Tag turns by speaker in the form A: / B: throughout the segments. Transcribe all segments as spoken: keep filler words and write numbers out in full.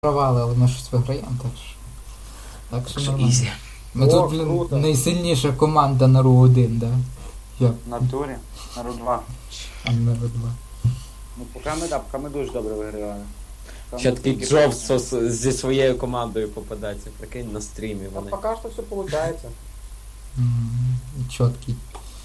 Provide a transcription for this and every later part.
A: провали, але ми щось виграємо, так що. Так що нормально.
B: Ізі.
A: Ми
C: О,
A: тут, блін,
C: круто.
A: найсильніша команда на ру один, да? Я,
D: В натурі на ру два.
A: а не на ру два.
D: Ну поки ми, да, поки ми дуже добре вигравали. Там
B: Ще
D: ми
B: такий
D: тільки
B: Джов
D: просто-
B: со- зі своєю командою попадається, прикинь, на стрімі
C: А
B: вони.
C: пока что все получается.
A: М, Чіткий.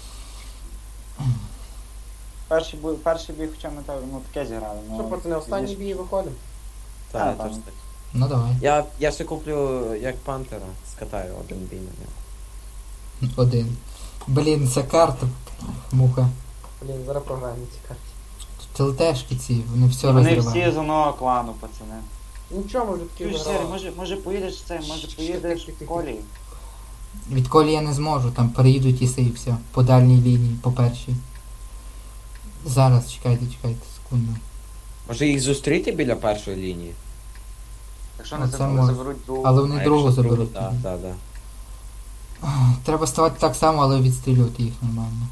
D: Перший, бій- перший бій, хоча ми так, ну, таке зіграли. Ну,
C: Що, пацани, останній
D: пізніше-
C: бій виходимо?
B: Та,
D: А,
B: я
D: там.
B: теж так.
A: Ну давай.
B: Я, я ще куплю як пантера, скатаю один бій на нього.
A: Один. Блін, ця карта. Муха.
C: Блін, зараз програємо ці карти.
A: Тут ЛТшки ці, вони все
D: Вони всі
A: розривають.
D: з одного клану, пацани.
C: Нічого, ми вже такі
D: Чуєш, Сері,
C: виграли.
D: може, може поїдеш це, може поїдеш в колі?
A: Відколи я не зможу, там переїдуть іси і все. По дальній лінії, по першій. Зараз, чекайте, чекайте, секунду.
B: Може їх зустріти біля першої лінії?
D: Якщо
A: Ну,
D: не
A: це
D: заберуть,
A: може.
D: заберуть другу.
A: Але вони
B: А
A: другу
B: якщо
A: заберуть.
B: Так,
A: тоді.
B: так, так.
A: Треба ставати так само, але відстрілювати їх нормально.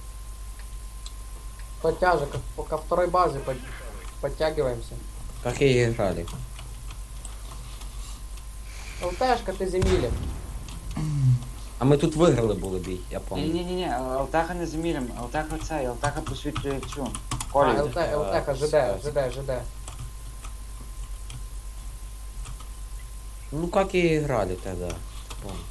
C: Подтяжек, по ко второй базе под... подтягиваемся.
B: Как и играли.
C: ЛТшка, ты земили.
B: А ми тут виграли були бій, я пам'ятаю.
D: Ні-ні-ні, Алтеха не замірим, Алтеха цей, Алтеха посвітлює цю.
C: А,
D: Колі.
C: ЛТ, ЛТХ, ЖД, ЖД, ЖД.
B: Ну как и играли тогда. Помнишь.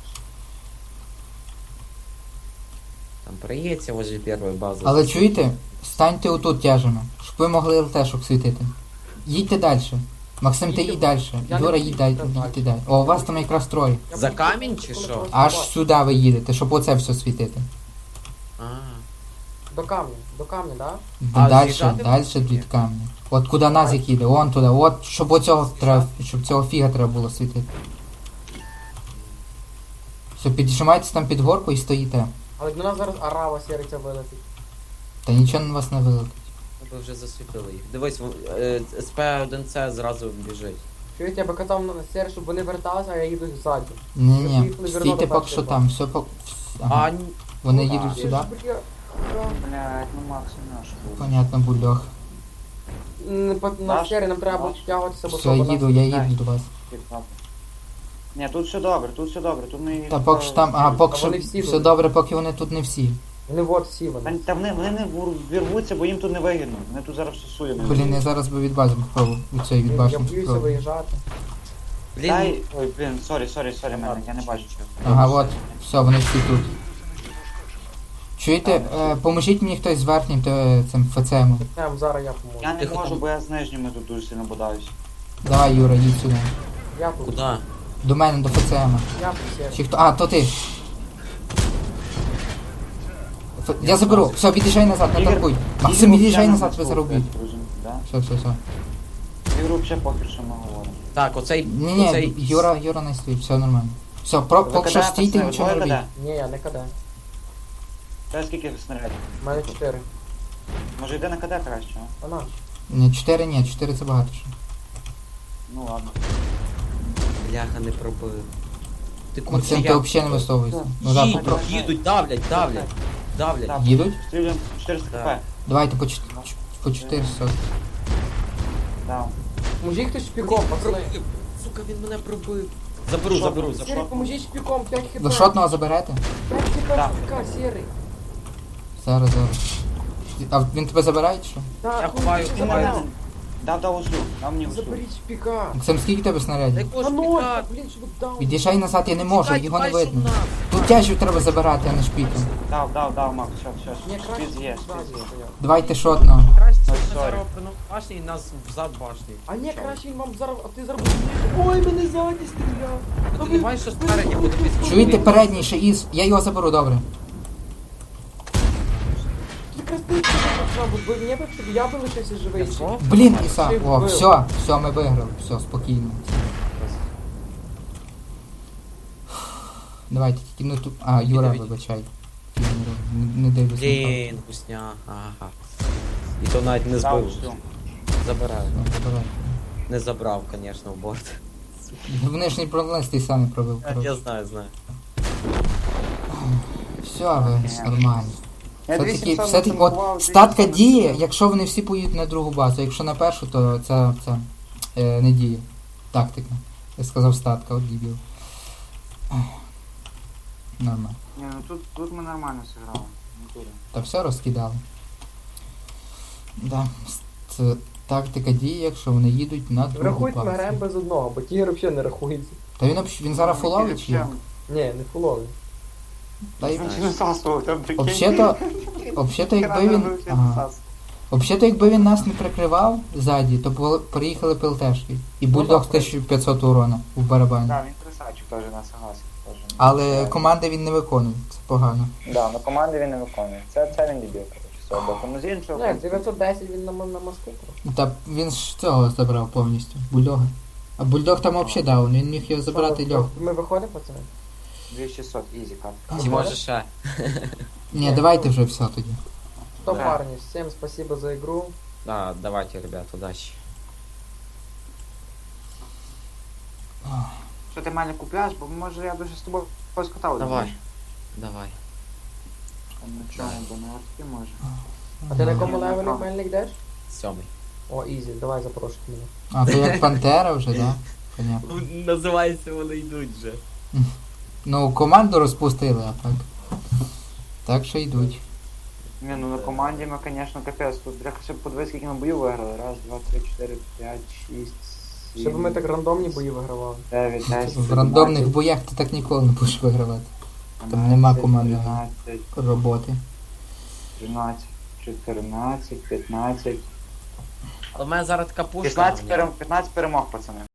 B: Там проедете возле первой базы.
A: Але чуєте, станьте отут тяжено, щоб ви могли ЛТшок світити. Їдьте далі. Максим, ти
C: Їдьте.
A: їдь далі.
C: Я не
A: Юра,
C: їду,
A: їдь далі.
C: так далі.
A: Їдьте далі. О, у вас там якраз троє.
C: Я
B: За
C: буду-
B: камінь чи
C: коли
B: що?
C: просто
A: Аж
C: бачу.
A: сюди ви їдете, щоб оце все світити.
B: А,
C: До камня, до камня, да?
B: А,
A: Далі,
B: з'їжджати
A: далі
B: можна?
A: від камня. От куди нас їде, вон туди. От, щоб оцього треба, щоб цього фіга треба було світити. Все, піджимайтесь там під горку і стоїте.
C: Але до нас зараз арава сіриця вилетить.
A: Та нічого на вас не вилетить.
B: ви вже засвітили їх. Дивись, е, ес пе один це зразу біжить.
C: Чуєте, я би казав на сері, щоб вони верталися, а я їду ззаду.
A: Ні-ні,
C: Щоб їх не
A: стійте
C: вернули
A: поки
C: перший
A: що
C: бак.
A: там, все по... Ага.
B: А, ні.
A: Вони
D: ну,
A: їдуть
D: а.
A: сюди.
D: Блядь, ну Макс наш був.
A: Понятно, бульдог.
C: М, по- На
D: Наш?
C: сері нам треба буде
D: Наш?
C: втягуватися, бо
A: Все,
C: то вона-
A: їду, я
D: Дай.
A: їду до вас.
D: Ні, тут все добре, тут все добре, тут ми...
A: Та поки що там, а поки
C: А
A: що
C: вони всі
A: все
C: тут.
A: добре, поки вони тут не всі.
C: Вони от всі
D: Та,
C: вони.
D: та вони, вони не вур- вірвуться, бо їм тут не вигідно. Вони тут зараз всусують.
A: Блін, я зараз би від бази попробував, від цієї від
C: Я
A: башні
C: боюся
A: попробував.
C: виїжджати.
B: Блін,
D: Дай... Ой, блін, сорі, сорі, сорі, мене, я не бачу чого.
A: Ага, от, все, вони всі тут. Чуєте, е, поможіть мені хтось з верхнім то, цим ФЦМом.
C: Там зараз я поможу.
D: Я не
B: Тихо,
D: можу,
B: там.
D: бо я з нижніми тут дуже сильно бодаюсь.
A: Давай, Юра, їдь сюди.
C: Я тут.
B: куди?
A: До мене, до ФЦМа.
C: Я тут сері.
A: Чи хто? А, то ти. Ф- Я заберу. Все, від'їжджай назад, не
D: Ігор,
A: торгуй. Максим, від'їжджай назад, ви заробіть.
D: Да?
A: Все, все, все.
D: Ігру взагалі похер, що ми говоримо.
B: Так, оцей...
A: Ні, ні,
B: оцей...
A: Юра, Юра не стоїть, все нормально. Все, про,
D: Ви
A: поки що
D: кидаєте
A: стійте,
D: все,
A: нічого не
D: двоє
A: робіть.
D: кидає?
C: Ні, я не каде.
D: Та скільки снарядів?
C: У мене чотири.
D: Може йде на КД краще, а?
C: Вона.
A: Ні, чотири ні, чотири це багато ще.
D: Ну ладно.
B: Бляха, не пробив. Ти куди
A: Максим, ти
B: я?
A: взагалі не висовуйся. Ну да,
B: Їдуть,
A: попро...
B: їдуть, давлять, давлять, давлять.
D: Так.
A: Їдуть?
D: Стрілюємо чотириста
B: Так.
D: хп.
A: Давайте по, чот- по чотириста.
D: Да.
C: Поможіть хтось шпіком, пацани.
B: Пробив. Сука, він мене пробив. Заберу,
D: Що?
B: заберу,
C: Сері,
B: заберу.
C: поможіть шпіком, п'ять хп.
A: До шотного заберете?
C: п'ять хп
D: Так.
C: шпіка, сірий.
A: Зараз, зараз. А він тебе забирає чи що?
C: Так,
B: Я
C: ну,
B: ховаю,
C: ти
D: Ти
B: ховаю.
D: мене
C: забрав.
D: дав дав услуг, дав мені услуг.
C: Заберіть шпіка.
A: Максим, скільки тебе снарядів?
B: Якого
C: А ну,
B: шпіка?
C: блін, щоб дав.
A: Від'їжджай назад, я не можу,
B: Тікай,
A: його не
B: тікай,
A: видно.
B: щоб на.
A: Тут тяжів треба забирати, а не шпіком.
D: Дав, дав, дав, Макс, все,
C: Ні,
D: все.
C: краще
D: Спіз є,
C: ззаді
D: спіз є.
C: стояв.
A: Давайте шотного.
B: Краще
D: Ой,
B: ми
D: sorry.
B: зараз приносимо башні і нас взад башні.
C: А ні, краще він вам зараз, а ти зараз... Ой, мене ззаді стріляв.
B: А ти не бачиш, що спереді буде під
A: Чуєте передній ще із. Я його заберу, добре.
C: Якраз ти пацан, бо мені б, щоб я би лишився живий.
B: Я що?
A: Блін, Іса.
C: Ти
A: О,
C: вбив.
A: все, все, ми виграли. Все, спокійно. Давайте, тільки ну тут. А, Юра,
B: Відійдіть.
A: вибачай. Не, не дивлюсь. на
B: Блін, гусня, ага. І то навіть не
D: Дав
B: збив.
D: услуг.
B: Забираю.
A: карту. Ну, забирай.
B: Не забрав, звісно, в борт.
A: Вони ж не пронесли, ти сам не пробив.
B: Я
A: коротше.
B: знаю, знаю.
A: Все, ви нормально.
D: Я
A: Все-таки,
D: двісімсот
A: все-таки,
D: запропонував,
A: от статка
D: двісімсот
A: діє, якщо вони всі поїдуть на другу базу. Якщо на першу, то це, це е, не діє. Тактика. Я сказав статка, от дебіл. Нормально.
D: Ні, ну тут, тут ми нормально зіграли. Не буде.
A: Та все розкидали. Да. Це тактика діє, якщо вони їдуть на другу
C: Врахуйте, ми
A: базу.
C: граємо без одного, бо тігр взагалі не рахується.
A: Та він, обще- він зараз фуловий чи як?
C: Ні, не фуловий.
A: Та й...
D: Він насасував, там прикинь.
A: Взагалі-то, взагалі-то якби він...
D: Гранату
A: Ага.
D: насасував.
A: Взагалі-то якби він нас не прикривав ззаді, то пол- приїхали ПЛТшки. І бульдог
C: так,
A: тисяча п'ятсот урона в барабані.
D: Да, він красавчик теж на согласен. теж.
A: Але
D: Це-
A: команди він не виконує, це погано.
D: Да, на команди він не виконує. Це, це він дебіл, коротше, з цього боку. Ну з іншого.
C: Ну як, дев'ятсот десять він на, м- на мосту.
A: Та він ж цього забрав повністю, бульдога. А бульдог там взагалі даун, він міг його забрати
C: Що,
A: легко.
C: Ми виходимо, пацани?
D: дві тисячі шістсот, ізі кат.
B: Чи може ще?
A: Ні, давайте вже все тоді.
C: Что,
D: Да.
C: парни, всем спасибо за игру.
B: Да, давайте, ребят, удачи.
D: Що ти мене купляєш, бо може я дуже з тобою поскатав.
B: Давай. Давай.
D: На чому, бо на арті може.
C: А ти на якому
D: Ага.
C: левелі мельник йдеш?
B: Сьомий.
C: О, ізі, давай запрошуй мене.
A: А то як Пантера вже, да? Понятно.
B: Називається, вони йдуть вже.
A: Ну, команду розпустили, а так. Так що йдуть.
D: Ні, ну на команді ми, звісно, капець. Тут треба ще подивитися, скільки ми боїв виграли. Раз, два, три, чотири, п'ять, шість, сім,
C: Щоб ми так рандомні бої вигравали.
D: дев'ять, десять,
A: В рандомних боях ти так ніколи не будеш вигравати. там нема команди.
D: тринадцять,
A: Роботи.
D: тринадцять, чотирнадцять, п'ятнадцять.
B: Але в мене зараз така пушка.
D: п'ятнадцять перем- п'ятнадцять перемог, пацани.